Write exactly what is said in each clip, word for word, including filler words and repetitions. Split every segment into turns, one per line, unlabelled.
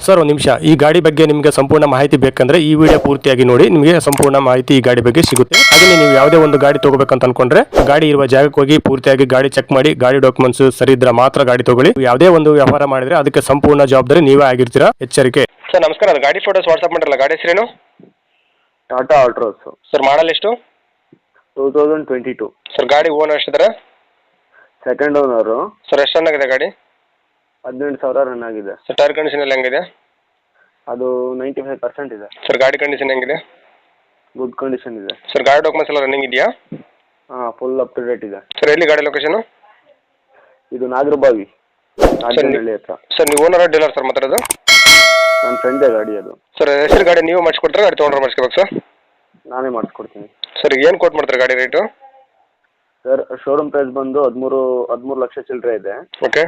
Sir ಒಂದು ನಿಮಿಷ, ಈ ಗಾಡಿ ಬಗ್ಗೆ ನಿಮಗೆ ಸಂಪೂರ್ಣ ಮಾಹಿತಿ ಬೇಕಂದ್ರೆ ಈ ವಿಡಿಯೋ ಪೂರ್ತಿಯಾಗಿ ನೋಡಿ, ನಿಮಗೆ ಸಂಪೂರ್ಣ ಮಾಹಿತಿ ಈ ಗಾಡಿ ಬಗ್ಗೆ ಸಿಗುತ್ತೆ. ಹಾಗೆ ನೀವು ಯಾವುದೇ ಒಂದು ಗಾಡಿ ತಗೋಬೇಕಂತ ಅನ್ಕೊಂಡ್ರೆ ಗಾಡಿ ಇರುವ ಜಾಗಕ್ಕೆ ಹೋಗಿ ಪೂರ್ತಿಯಾಗಿ ಗಾಡಿ ಚೆಕ್ ಮಾಡಿ, ಗಾಡಿ ಡಾಕ್ಯುಮೆಂಟ್ಸ್ ಸರಿ ಇದ್ರೆ ಮಾತ್ರ ಗಾಡಿ ತಗೊಳ್ಳಿ. ಯಾವುದೇ ಒಂದು ವ್ಯವಹಾರ ಮಾಡಿದ್ರೆ ಅದಕ್ಕೆ ಸಂಪೂರ್ಣ ಜವಾಬ್ದಾರಿ ನೀವೇ ಆಗಿರ್ತೀರಾ, ಎಚ್ಚರಿಕೆ. ಸರ್ ನಮಸ್ಕಾರ, ಅದು ಗಾಡಿ ಫೋಟೋಸ್ ವಾಟ್ಸ್ಆಪ್ ಮಾಡಿರಲ್ಲ, ಗಾಡಿ ಹೆಸರೇನು?
ಟಾಟಾ ಆಲ್ಟ್ರೋಸ್
ಸರ್ ಮಾಡಲ್ ಎಷ್ಟು?
Two thousand twenty two.
Sir ಗಾಡಿ ಓನರ್ ಎಷ್ಟಿದ್ದಾರೆ?
Second owner.
ಸರ್ ಎಷ್ಟು ರನ್ ಆಗಿದೆ ಗಾಡಿ?
ಹದಿನೆಂಟು ಸಾವಿರ ರನ್ ಆಗಿದೆ.
ಸರ್ ಟೈರ್ ಕಂಡೀಷನ್ ಎಲ್ಲ ಹೆಂಗಿದೆ?
ಅದು ನೈಂಟಿ ಫೈವ್ ಪರ್ಸೆಂಟ್ ಇದೆ.
ಸರ್ ಗಾಡಿ ಕಂಡೀಷನ್ ಹೆಂಗಿದೆ?
ಗುಡ್ ಕಂಡೀಷನ್ ಇದೆ.
ಸರ್ ಗಾಡಿ ಡಾಕ್ಯುಮೆಂಟ್ಸ್ ಎಲ್ಲ ರನ್ನಿಂಗ್ ಇದೆಯಾ?
ಹಾಂ, ಫುಲ್ ಅಪ್ ಟು ಡೇಟ್ ಇದೆ.
ಸರ್ ಎಲ್ಲಿ ಗಾಡಿ ಲೊಕೇಶನ್?
ಇದು ನಾಗರಬಾವಿ, ನಾಗನಹಳ್ಳಿ ಹತ್ರ.
ಸರ್ ನೀವು ಓನರ್ ಡೀಲರ್ ಸರ್ ಮಾತಾಡೋದು?
ನನ್ನ ಫ್ರೆಂಡೇ ಗಾಡಿ ಅದು.
ಸರ್ ಹೆಸರು ಗಾಡಿ ನೀವು ಮಾಡಿಸ್ಕೊಡ್ತಾರೆ, ಗಾಡಿ ತೊಗೊಂಡ್ರೆ ಮಾಡಿಸ್ಕೋಬೇಕು ಸರ್?
ನಾನೇ ಮಾಡಿಸ್ಕೊಡ್ತೀನಿ.
ಸರ್ ಏನು ಕೋಟ್ ಮಾಡ್ತಾರೆ ಗಾಡಿ ರೇಟು?
ಸರ್ ಶೋರೂಮ್ ಪ್ರೈಸ್ ಬಂದು ಹದಿಮೂರು ಹದಿಮೂರು ಲಕ್ಷ ಚಿಲ್ಲರೆ ಇದೆ.
ಓಕೆ.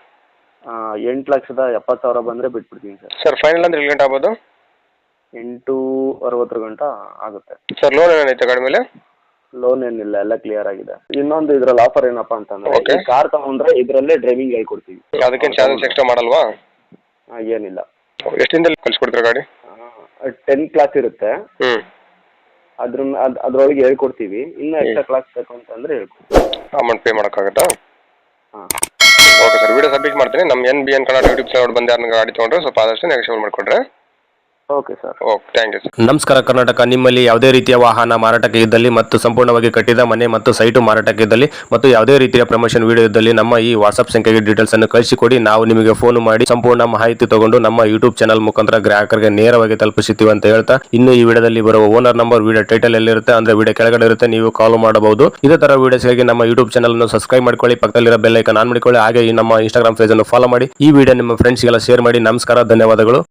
ಎಂಟು ಲಕ್ಷದ ಎಪ್ಪತ್ತು ಸಾವಿರ ಬಂದರೆ ಬಿಟ್ಬಿಡ್ತೀನಿ ಸರ್.
ಸರ್ ಫೈನಲ್ ಅಂದ್ರೆ ಎಷ್ಟು ಗಂಟೆ ಆಗ್ಬೋದು?
ಎಂಟು ಅರವತ್ತರ ಗಂಟ ಆಗುತ್ತೆ.
ಸರ್ ಲೋನ್ ಏನೈತೆ ಗಾಡಿ ಮೇಲೆ?
ಲೋನ್ ಏನಿಲ್ಲ, ಎಲ್ಲ ಕ್ಲಿಯರ್ ಆಗಿದೆ. ಇನ್ನೊಂದು ಇದ್ರಲ್ಲಿ ಆಫರ್ ಏನಪ್ಪಾ ಅಂತಂದ್ರೆ, ಕಾರ್ ತಗೊಂಡ್ರೆ ಇದರಲ್ಲೇ ಡ್ರೈವಿಂಗ್ ಹೇಳ್ಕೊಡ್ತೀವಿ.
ಅದಕ್ಕೇನು ಚಾರ್ಜಸ್ ಎಕ್ಸ್ಟ್ರಾ ಮಾಡಲ್ವಾ?
ಏನಿಲ್ಲ.
ಎಷ್ಟು ದಿನದಲ್ಲಿ ಕಳಿಸ್ಕೊಡ್ತೀರಾ ಗಾಡಿ?
ಟೆನ್ ಕ್ಲಾಸ್ ಇರುತ್ತೆ,
ಹ್ಞೂ
ಅದ್ರ ಅದ್ ಅದ್ರೊಳಗೆ ಹೇಳ್ಕೊಡ್ತೀವಿ. ಇನ್ನೂ ಎಕ್ಸ್ಟ್ರಾ ಕ್ಲಾಸ್ ಬೇಕು ಅಂತಂದ್ರೆ ಹೇಳ್ಕೊಡ್ತೀವಿ.
ಅಮೌಂಟ್ ಪೇ ಮಾಡೋಕ್ಕಾಗತ್ತಾ?
ಹಾಂ,
ಓಕೆ ಸರ್, ವಿಡಿಯೋ ಸಬ್ಮಿಟ್ ಮಾಡ್ತೀನಿ. ನಮ್ಮ N B N Kannada YouTube channel ಬಂದು ಯಾರನ್ನ ಗಾಡಿ ತೊಗೊಂಡ್ರೆ ಸ್ವಲ್ಪ ಆದಷ್ಟು ನೆಗೋಷಿಯೇಟ್ ಮಾಡಿಕೊಡ್ರೆ.
Okay sir.
Okay, thank you sir. ನಮಸ್ಕಾರ ಕರ್ನಾಟಕ. ನಿಮ್ಮಲ್ಲಿ ಯಾವುದೇ ರೀತಿಯ ವಾಹನ ಮಾರಾಟಕ್ಕೆ ಇದ್ದಲ್ಲಿ ಮತ್ತು ಸಂಪೂರ್ಣವಾಗಿ ಕಟ್ಟಿದ ಮನೆ ಮತ್ತು ಸೈಟು ಮಾರಾಟಕ್ಕೆ ಇದ್ದಲ್ಲಿ ಮತ್ತು ಯಾವುದೇ ರೀತಿಯ ಪ್ರಮೋಷನ್ ವಿಡಿಯೋ ಇದ್ದಲ್ಲಿ ನಮ್ಮ ಈ ವಾಟ್ಸ್ಆಪ್ ಸಂಖ್ಯೆಗೆ ಡೀಟೇಲ್ಸ್ ಅನ್ನು ಕಳಿಸಿಕೊಡಿ. ನಾವು ನಿಮಗೆ ಫೋನ್ ಮಾಡಿ ಸಂಪೂರ್ಣ ಮಾಹಿತಿ ತಗೊಂಡು ನಮ್ಮ ಯೂಟ್ಯೂಬ್ ಚಾನಲ್ ಮುಖಾಂತರ ಗ್ರಾಹಕರಿಗೆ ನೇರವಾಗಿ ತಲುಪಿಸುತ್ತೀವಿ ಅಂತ ಹೇಳ್ತಾ, ಇನ್ನು ಈ ವಿಡಿಯೋದಲ್ಲಿ ಬರುವ ಓನರ್ ನಂಬರ್ ವಿಡಿಯೋ ಟೈಟಲ್ ಎಲ್ಲಿರುತ್ತೆ ಅಂದ್ರೆ ವಿಡಿಯೋ ಕೆಳಗಡೆ ಇರುತ್ತೆ, ನೀವು ಕಾಲ್ ಮಾಡಬಹುದು. ಇದೇ ತರ ವಿಡಿಯೋಸ್ಗಾಗಿ ನಮ್ಮ ಯೂಟ್ಯೂಬ್ ಚಾನಲ್ ಅನ್ನು ಸಬ್ಸ್ಕ್ರೈಬ್ ಮಾಡ್ಕೊಳ್ಳಿ, ಪಕ್ಕದಲ್ಲಿರೋ ಬೆಲ್ ಐಕಾನ್ ಆನ್ ಮಾಡಿಕೊಳ್ಳಿ. ಹಾಗೆ ಈ ನಮ್ಮ ಇನ್ಸ್ಟಾಗ್ರಾಮ್ ಪೇಜ್ ಅನ್ನು ಫಾಲೋ ಮಾಡಿ. ಈ ವಿಡಿಯೋ ನಿಮ್ಮ ಫ್ರೆಂಡ್ಸ್ಗೆಲ್ಲ ಶೇರ್ ಮಾಡಿ. ನಮಸ್ಕಾರ, ಧನ್ಯವಾದಗಳು.